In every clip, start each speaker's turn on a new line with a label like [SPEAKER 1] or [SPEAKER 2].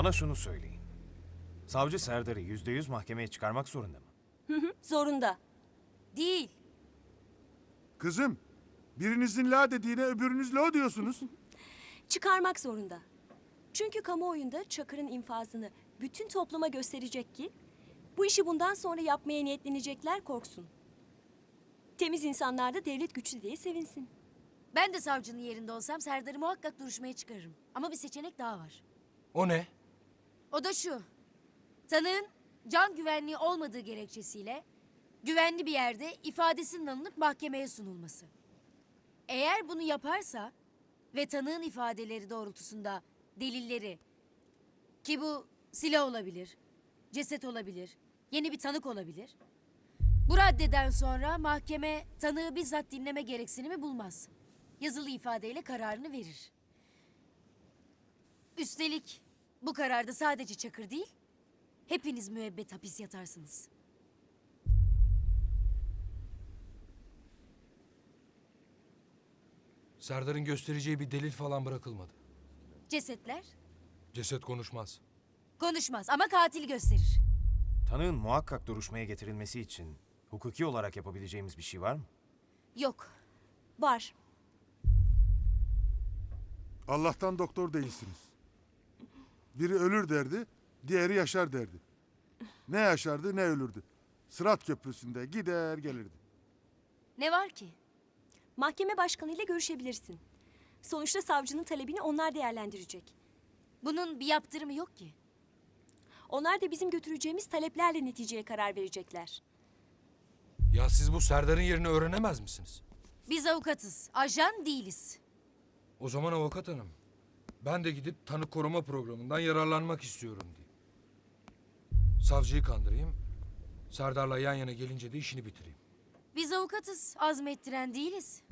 [SPEAKER 1] Bana şunu söyleyin. Savcı Serdar'ı %100 mahkemeye çıkarmak zorunda mı?
[SPEAKER 2] Zorunda.
[SPEAKER 3] Değil.
[SPEAKER 4] Kızım, birinizin la dediğine öbürünüz lo diyorsunuz.
[SPEAKER 2] Çıkarmak zorunda. Çünkü kamuoyunda Çakır'ın infazını bütün topluma gösterecek ki bu işi bundan sonra yapmaya niyetlenecekler korksun. Temiz insanlar da devlet güçlü diye sevinsin.
[SPEAKER 3] Ben de savcının yerinde olsam Serdar'ı muhakkak duruşmaya çıkarırım. Ama bir seçenek daha var.
[SPEAKER 5] O ne?
[SPEAKER 3] O da şu. Tanığın can güvenliği olmadığı gerekçesiyle güvenli bir yerde ifadesinin alınıp mahkemeye sunulması. Eğer bunu yaparsa ve tanığın ifadeleri doğrultusunda delilleri, ki bu silah olabilir, ceset olabilir, yeni bir tanık olabilir. Bu raddeden sonra mahkeme tanığı bizzat dinleme gereksinimi bulmaz. Yazılı ifadeyle kararını verir. Üstelik bu kararda sadece Çakır değil, hepiniz müebbet hapis yatarsınız.
[SPEAKER 5] Serdar'ın göstereceği bir delil falan bırakılmadı.
[SPEAKER 3] Cesetler
[SPEAKER 5] Ceset konuşmaz.
[SPEAKER 3] konuşmaz ama katil gösterir.
[SPEAKER 1] Tanığın muhakkak duruşmaya getirilmesi için hukuki olarak yapabileceğimiz bir şey var mı?
[SPEAKER 3] Yok.
[SPEAKER 2] Var.
[SPEAKER 4] Allah'tan doktor değilsiniz. Biri ölür derdi, diğeri yaşar derdi. Ne yaşardı ne ölürdü. Sırat köprüsünde gider gelirdi.
[SPEAKER 3] Ne var ki?
[SPEAKER 2] Mahkeme başkanıyla görüşebilirsin. Sonuçta savcının talebini onlar değerlendirecek.
[SPEAKER 3] Bunun bir yaptırımı yok ki.
[SPEAKER 2] Onlar da bizim götüreceğimiz taleplerle neticeye karar verecekler.
[SPEAKER 5] Ya siz bu Serdar'ın yerini öğrenemez misiniz?
[SPEAKER 3] Biz avukatız, ajan değiliz.
[SPEAKER 5] O zaman avukat hanım, ben de gidip tanık koruma programından yararlanmak istiyorum diyeyim. Savcıyı kandırayım, Serdar'la yan yana gelince de işini bitireyim.
[SPEAKER 3] Biz avukatız, azmettiren değiliz.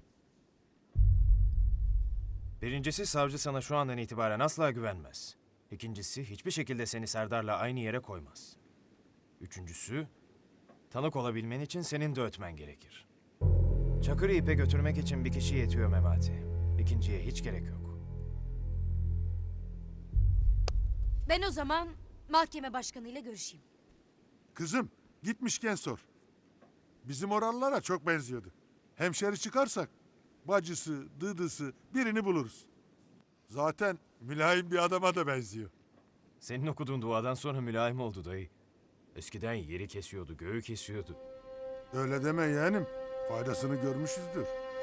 [SPEAKER 1] Birincisi savcı sana şu andan itibaren asla güvenmez. İkincisi hiçbir şekilde seni Serdar'la aynı yere koymaz. Üçüncüsü tanık olabilmen için senin de ötmen gerekir. Çakır'ı ipe götürmek için bir kişi yetiyor Memati. İkinciye hiç gerek yok.
[SPEAKER 3] Ben o zaman mahkeme başkanıyla görüşeyim.
[SPEAKER 4] Kızım, gitmişken sor. Bizim oralılara çok benziyordu. Hemşeri çıkarsak bacısı, dıdısı birini buluruz. Zaten mülayim bir adama da benziyor.
[SPEAKER 1] Senin okuduğun duadan sonra mülayim oldu dayı. Eskiden yeri kesiyordu, göğü kesiyordu.
[SPEAKER 4] Öyle deme yeğenim. Faydasını görmüşüzdür.